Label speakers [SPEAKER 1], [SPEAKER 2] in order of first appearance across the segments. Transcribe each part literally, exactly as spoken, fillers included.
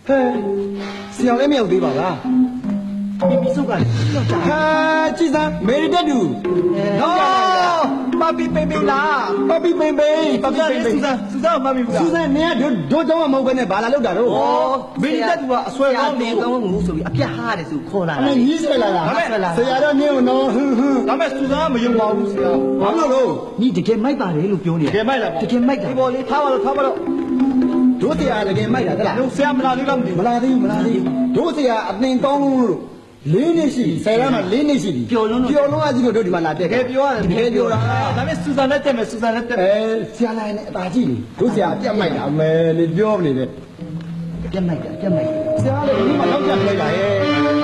[SPEAKER 1] ဟဲ့ဆရာလည်းမရောက်သေးပါလားမိမိစုပ်ကလည်းရောက်တာဟာကြည်စမ်းမေရီတက်တူနော်ပပီပိပိလာပပီပိပိပပီပိပိစူဇန်စူဇန်မမီဘူးလားစူဇန်နင်ကဒိုးတော့မဟုတ်ဘဲနဲ့ဘာလာလောက်တာတော့ဩမေရီတက်တူကအဆွဲကောင်းတယ်ကောင်းမှုဆိုပြီးအပြတ်ဟားတယ်ဆိုခေါ်လာတာအဲ့ကြီးဆွဲလာတာဆရာတော့နင်းနော်ဟွန်းဟွန်းဒါမဲ့စူဇန်ကမယုံပါဘူးဆရာဘာလို့လို့ညီတကယ်မိုက်ပါတယ်လို့ပြောနေတယ်တကယ်မိုက်လားတကယ်မိုက်တာဒီပေါ်လေးထားပါတော့ထားပါတော့တို့တရားတကယ်မိုက်တာတလားတို့ဆရာမလာသေးလားမသိဘူးမလာသေးဘူးမလာသေးဘူးတို့ဆရာအသင်ကောင်းလို့လေးနှစ်ရှိပြီဆယ်ရမ်းမှာလေးနှစ်ရှိပြီပျော်လုံးပျော်လုံးအကြီးတို့ဒီမှာလာတက်တကယ်ပြောရတယ်တကယ်ပြောတာဒါပေမဲ့စူဇန်နဲ့တက်မယ်စူဇန်နဲ့တက်မယ်အဲဆရာလိုက်နဲ့အသာကြည့်လေတို့ဆရာအပြတ်မိုက်တာအမယ်လေပြောနေတယ်အပြတ်မိုက်တာအပြတ်မိုက်ဆရာလည်းဒီမှာလောက်ကြလိုက်တာရဲ့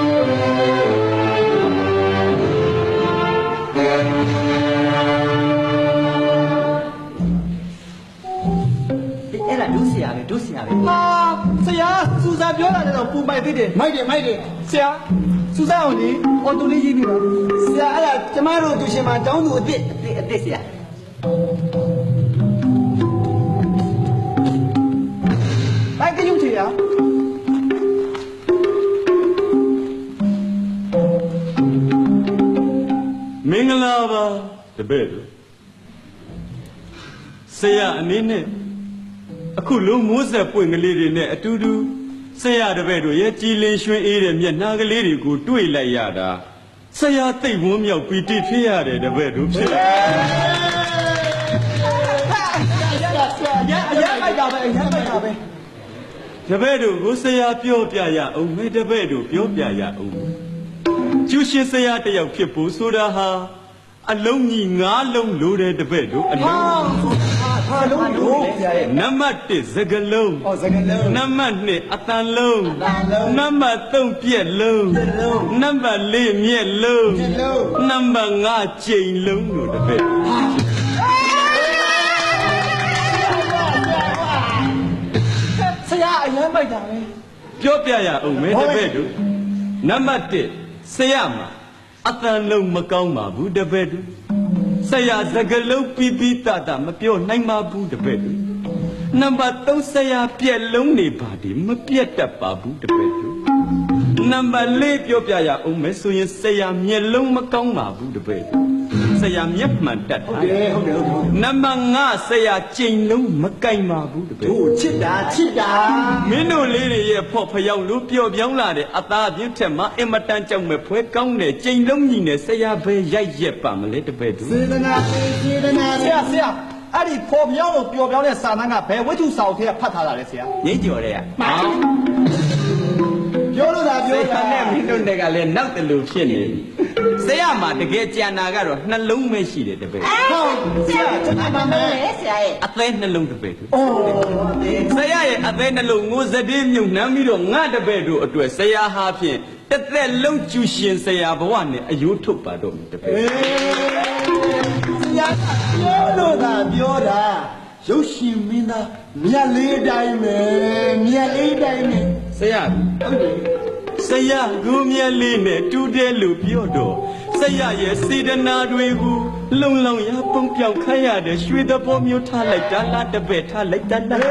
[SPEAKER 1] အဲ့ဒါဒုဆရာပဲဒုဆရာပဲဟာဆရာစူဇန်ပြောတာလည်းတော့ပူမိုက်သေးတယ်မိုက်တယ်မိုက်တယ်ဆရာစူဇန်အောင်လေအော်တိုလေးရေးပြီးပါဆရာအဲ့ဒါကျမတို့သူရှင်မတောင်းသူအစ်စ်အစ်အစ်ဆရာဘိုက်ကယူချေရ
[SPEAKER 2] မင်္ဂလာပါတပည့်တို့ဆရာအနေနဲ့အခုလုံးမိုးဆက်ပွင့်ကလေးတွေနဲ့အတူတူဆရာတပည့်တို့ရဲ့ကြည်လင်ရွှင်အေးတဲ့မျက်နှာကလေးတွေကိုတွေ့လိုက်ရတာဆရာသိပ်ဝန်းမြောက်ပီတိဖြစ်ရတယ်တပည့်တို့ဖြစ်တယ်
[SPEAKER 1] ရရမိုက်တာပဲရမိုက်တာပဲ
[SPEAKER 2] တပည့်တို့ကိုဆရာပြောပြရအောင်မဲတပည့်တို့ပြောပြရအောင်ကျူရှင်ဆရာတယောက်ဖြစ်ဖို့ဆိုတာဟာအလုံးကြီးငါးလုံးလိုတဲ့တပည့်တို့အလုံး
[SPEAKER 1] ဟာလုံးလို့
[SPEAKER 2] နံပါတ်တစ်စကလုံး
[SPEAKER 1] ဩစကလုံး
[SPEAKER 2] နံပါတ်နှစ်အတန်လုံးနံပါတ်သုံးပြက်လုံးနံပါတ်လေးမြက်လုံးနံပါတ်ငါးကျိန်လုံးလို့တပည့်
[SPEAKER 1] ဆရာအရင်ပိုက်တာပဲ
[SPEAKER 2] ပြောပြရအောင်မဲတပည့်တို့နံပါတ်တစ်ဆရာမှာအတန်လုံးမကောင်းပါဘူးတပည့်တို့ဆရာစကလုံးပြပြတတမပြောနိုင်ပါဘူးတပည့်တို့နံပါတ်သုံးဆရာပြက်လုံးနေပါဒီမပြက်တတ်ပါဘူးတပည့်တို့နံပါတ်လေးပြောပြရအောင်မယ်ဆိုရင်ဆရာမျက်လုံးမကောင်းပါဘူးတပည့်တို့ဆရာမျက်မှန်တတ်
[SPEAKER 1] ဟုတ်တယ်ဟုတ်တယ်ဟုတ်တယ်
[SPEAKER 2] နံပါတ်ငါဆရာကျိန်လုံးမကိုင်ပါဘူးတပည့်
[SPEAKER 1] တို့ချစ်တာချစ်တာ
[SPEAKER 2] မင်းတို့လေးတွေရဲ့ဖော့ဖျောက်လို့ပျော်ပြောင်းလာတဲ့အသားပြင်းထက်မှာအင်မတန်ကြောက်မဲ့ဖွဲကောင်းတဲ့ကျိန်လုံးကြီးနဲ့ဆရာပဲရိုက်ရက်ပါမလဲတပည့်တို့
[SPEAKER 1] စေတနာစေတနာဆရာဆရာအဲ့ဒီဖော်ပြောင်းလို့ပျော်ပြောင်းတဲ့စာတန်းကဘယ်ဝိတ္ထုစာအုပ်ထဲကဖတ်ထားတာလဲဆရာ
[SPEAKER 2] ငိမ့်ကြော်တဲ့က
[SPEAKER 1] ပြောလို့သာပြောတာ
[SPEAKER 2] နဲ့မင်းတို့တွေကလည်းနောက်တလူဖြစ်နေပြီဆရာမှာတကယ်ကြံနာကတော့နှလုံးပဲရှိတယ်တပည့်
[SPEAKER 1] ဟုတ်ဆရာကျွန်တော်ပါမယ်ဆရာရဲ့
[SPEAKER 2] အသေးနှလုံးတပည့်တို့အိုးဆရာရဲ့အသေးနှလုံးငိုစတဲ့မြုပ်နှမ်းပြီးတော့ငါတပည့်တို့အတွက်ဆရာဟာဖြင့်တစ်သက်လုံးကျူရှင်ဆရာဘဝနဲ့အယိုးထုတ်ပါတော့တပည့်
[SPEAKER 1] ဆရာပြောလို့သာပြောတာရုပ်ရှင်မင်းသားမြတ်လေးတိုင်းပဲမြတ်လေးတိုင်းပဲ
[SPEAKER 2] ဆရာဟုတ်တယ်ဆရာကိုမြတ်လေးနဲ့တူတယ်လို့ပြောတော့ဆရာရဲ့စေတနာတွေကိုလုံလုံရပုံပြောင်ခတ်ရတဲ့ရွှေသဘောမျိုးထားလိုက်တာလားတပည့်ထားလိုက်တာလား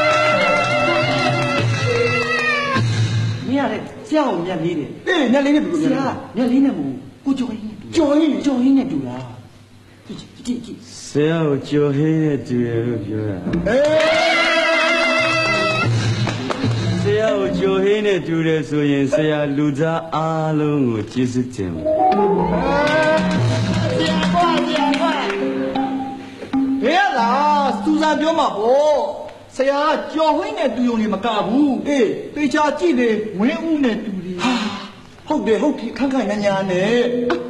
[SPEAKER 1] မြတ်လေးဆရာကိုမြတ်လေးတယ်အေးမြတ်လေးနဲ့ဘယ်လိုလဲဆရာမြတ်လေးနဲ့မဟုတ်ကိုကျော်ဟင်းနဲ့ကျော်ဟင်းကျော်ဟင်းနဲ့တူလားကြည့်ကြည့်ကြည့်
[SPEAKER 2] ဆရာကိုကျော်ဟင်းနဲ့တူတယ်လို့ပြောတာ
[SPEAKER 1] အေး
[SPEAKER 2] ဆရာကိုကြိုဟင်းနဲ့တူတယ်ဆိုရင်ဆရာလူသားအားလုံးကိုကျေးဇူးတင်ပါ
[SPEAKER 1] ဆရာကွာဆရာကွာဘယ်လားစူဇန်ပြောမှာပေါ့ဆရာကြော်ဟင်းနဲ့တူုံနေမကဘူးအေးတေချာကြည့်လေဝင်းဦးနဲ့တူတယ်ဟာဟုတ်တယ်ဟုတ်ပြီခန့်ခန့်ညာညာနဲ့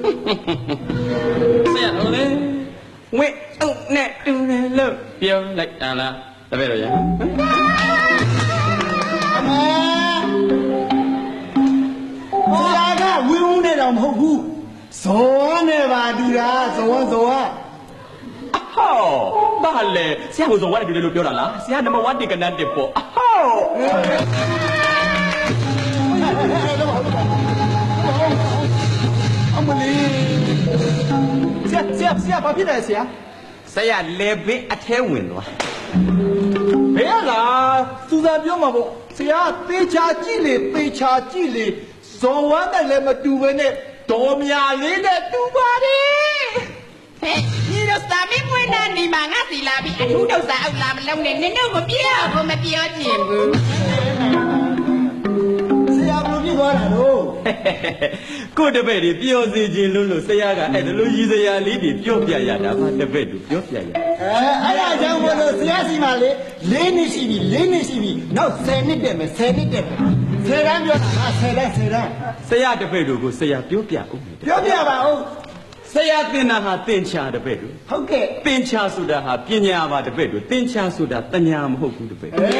[SPEAKER 2] ဆရာတို့လေဝင်းဦးနဲ့တူတယ်လို့ပြောလိုက်တာလားတပည့်တော်ရ
[SPEAKER 1] ဆရာကဝင်းဦးနဲ့တော့မဟုတ်ဘူးဇောနဲ့ပါတူတာဇောဇော
[SPEAKER 2] ဟောဘာလဲဆရာကိုဇောနဲ့တူတယ်လို့ပြောတာလားဆရာနံပါတ်oneတိကနန်းတစ်ပေါ့ဟော
[SPEAKER 1] အမလေးဆရာဆရာဆရာဘာဖြစ်လဲဆရာ
[SPEAKER 2] ဆရာလေဘေးအထဲဝင်သွား
[SPEAKER 1] ဘယ်လားစူစူစာပြောမှာပေါ့ဆရာသေချာကြည့်လေသေချာကြည့်လေဇော်ဝမ်းနဲ့လည်းမတူဘဲနဲ့ဒေါ်မြလေးနဲ့တူပါတယ်
[SPEAKER 3] ဟဲ့ဒီတော့စာမင်းဝင်တာနေမှာငါစီလာပြီးအထူးတော့စာအောက်လာမလုံးနဲ့နင်တို့မပြောဘူးမပြောချင်ဘူး
[SPEAKER 1] ဆရာဘယ်လိုဖြစ်သွားတာလို့
[SPEAKER 2] ကိုတပည့်တွေပျော်စေခြင်းလို့လို့ဆရာကအဲ့ဒါလိုရည်စရာလေးတွေပြောပြရတာပါတပည့်တို့ပြောပြရ
[SPEAKER 1] အဲအဲ့ဒါကြောင့်ဘလို့ဆရာစီမှာလေလေးနှစ်ရှိပြီလေးနှစ်ရှိပြီနောက်ဆယ်နှစ်တက်မယ်ဆယ်နှစ်တက်မယ်ဆယ်တန်းပြောတာငါဆယ်တန်းဆယ်တန်း
[SPEAKER 2] ဆရာတပည့်တို့ကိုဆရာပြောပြဦးမယ်
[SPEAKER 1] ပြောပြပါဦး
[SPEAKER 2] ဆရာသင်တာဟာသင်္ချာတပည့်တို့
[SPEAKER 1] ဟုတ်ကဲ့
[SPEAKER 2] သင်္ချာဆိုတာဟာပညာပါတပည့်တို့သင်္ချာဆိုတာတညာမဟုတ်ဘူးတပည့်
[SPEAKER 1] အေး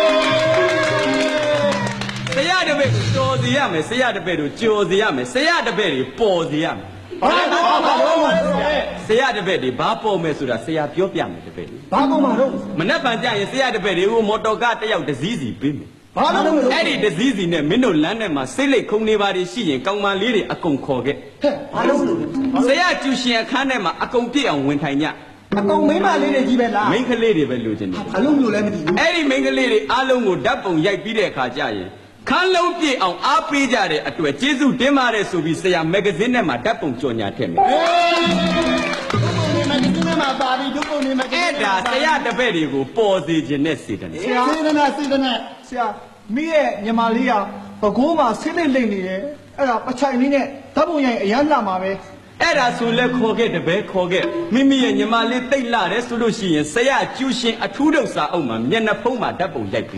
[SPEAKER 2] ဆရာတပည့်ကိုကြော်စီရမယ်ဆရာတပည့်တို့ကြော်စီရမယ်ဆရာတပည့်တွေပေါ်စီရမယ်
[SPEAKER 1] ဘာဘာဘာလို့မလဲ
[SPEAKER 2] ဆရာတပည့်တွေဘာပေါ်မယ်ဆိုတာဆရာပြောပြမယ်တပည့်တို့
[SPEAKER 1] ဘာကောင်မတော့
[SPEAKER 2] မနှက်ပန်ကြရင်ဆရာတပည့်တွေကိုမော်တော်ကားတစ်ယောက်တစ်စီးစီပေးမယ်
[SPEAKER 1] ဘာလို့မလဲ
[SPEAKER 2] အဲ့ဒီတစ်စီးစီနဲ့မင်းတို့လမ်းထဲမှာစိတ်လိတ်ခုံနေပါတွေရှိရင်ကောင်မလေးတွေအကုန်ခေါ်ခဲ့
[SPEAKER 1] ဟဲ့ဘာလို့လို့
[SPEAKER 2] ဆရာကျူရှင်အခန်းထဲမှာအကုန်ပြည့်အောင်ဝင်ထိုင်ကြ
[SPEAKER 1] အကောင်မိမလေးတွေကြီးပဲလား
[SPEAKER 2] မိန်းကလေးတွေပဲလိုချင်တယ်
[SPEAKER 1] ဘာလို့လို့လဲမသိဘူး
[SPEAKER 2] အဲ့ဒီမိန်းကလေးတွေအားလုံးကိုဓာတ်ပုံရိုက်ပြီးတဲ့အခါကျရင်ခန်းလုံးပြည့်အောင်အားပေးကြတဲ့အတွက်ကျေးဇူးတင်ပါတယ်ဆိုပြီးဆရာမဂ္ဂဇင်းထဲမှာဓာတ်ပုံကြော်ညာထည့်မယ်
[SPEAKER 1] အေးဒုက္ခနေမှာဒီကနေ့မှာပါပြီဒုက္ခနေမှာ
[SPEAKER 2] အဲ့ဒါဆရာတပည့်တွေကိုပေါ်စေခြင်းနဲ့စေတယ်
[SPEAKER 1] ဆရာစေတနာစေတနာဆရာမိရဲ့ညီမလေးကဘကိုးမှာဆင်းနေလိမ့်နေတယ်အဲ့ဒါပချိုင်လေးနဲ့ဓာတ်ပုံရိုင်အရန်လာမှာပဲ
[SPEAKER 2] အဲ့ဒါဆိုလဲခေါ်ခဲ့တပည့်ခေါ်ခဲ့မိမိရဲ့ညီမလေးတိတ်လာတယ်ဆိုလို့ရှိရင်ဆရာကျူရှင်အထူးတော့စာအုပ်မှာမျက်နှာဖုံးမှာဓာတ်ပုံရိုက်ပြီး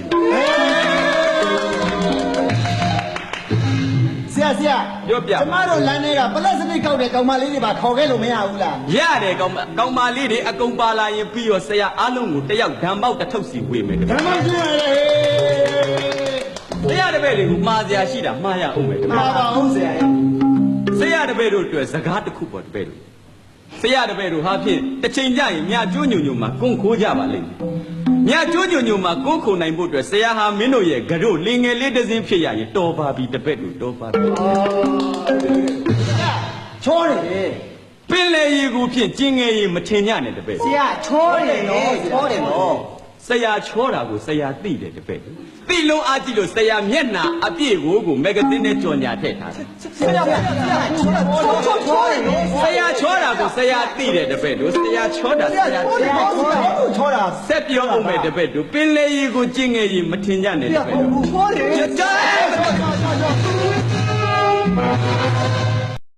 [SPEAKER 1] ဆရာဆရာ
[SPEAKER 2] ပြောပြ
[SPEAKER 1] ကျမတို့လမ်းထဲကပလက်စတစ်ကောက်တဲ့ကောင်မလေးတွေပါခေါ်ခဲ့လို့မရဘူးလား
[SPEAKER 2] ရတယ်ကောင်မကောင်မလေးတွေအကုန်ပါလာရင်ပြီးတော့ဆရာအားလုံးကိုတယောက်ဓမ္မောက်တစ်ထုပ်စီဝေမယ်တပည့်
[SPEAKER 1] ဓမ္မရှိရလေ
[SPEAKER 2] ဆရာတပည့်တွေကိုမှားစရာရှိတာမှားရအောင်မယ်တပည့်
[SPEAKER 1] ပါပါအောင်ဆရာ
[SPEAKER 2] ဆရာတပည့်တို့အတွက်စကားတစ်ခုပေါ်တပည့်တို့ဆရာတပည့်တို့ဟာဖြင့်တစ်ချိန်ကျရင်မြကျိုးညုံညုံမှာကွန်းခိုးကြပါလိမ့်မယ်မြကျိုးညုံညုံမှာကွန်းခိုးနိုင်ဖို့အတွက်ဆရာဟာမင်းတို့ရဲ့ကြတို့လင်ငယ်လေးတစ်စင်းဖြစ်ရရင်တော်ပါပြီတပည့်တို့တော်ပါပြီ
[SPEAKER 1] ချောတယ်လေ
[SPEAKER 2] ပင်လေရီကိုဖြင့်ကျင်းငယ်ရီမထင်ကြနဲ့တပည့်
[SPEAKER 1] ဆရာချောတယ်နော်ချောတယ်နော်
[SPEAKER 2] ဆရာချောတာကိုဆရာသိတယ်တပည့်သိလုံးအားကြည့်လို့ဆရာမျက်နှာအပြည့်ကိုကိုမဂ္ဂဇင်းနဲ့ကြော်ညာထည့်ထားတယ်
[SPEAKER 1] ဆရာဆရာဆရာချောချောချောချောတယ်နော်
[SPEAKER 2] ဆရာချောတာကိုဆရာသိတယ်တပည့်တို့ဆရာချောတာ
[SPEAKER 1] ဆ
[SPEAKER 2] ဆ
[SPEAKER 1] ရာ
[SPEAKER 2] ရာ
[SPEAKER 1] ချောတယ်နော်ဆရာချောတာ
[SPEAKER 2] ဆက်ပြောအောင်မယ်တပည့်တို့ပင်လေရီကိုကျင်းငယ်ရီမထင်ကြနဲ့တပည့်တို့
[SPEAKER 1] ချောတယ်
[SPEAKER 2] ကြား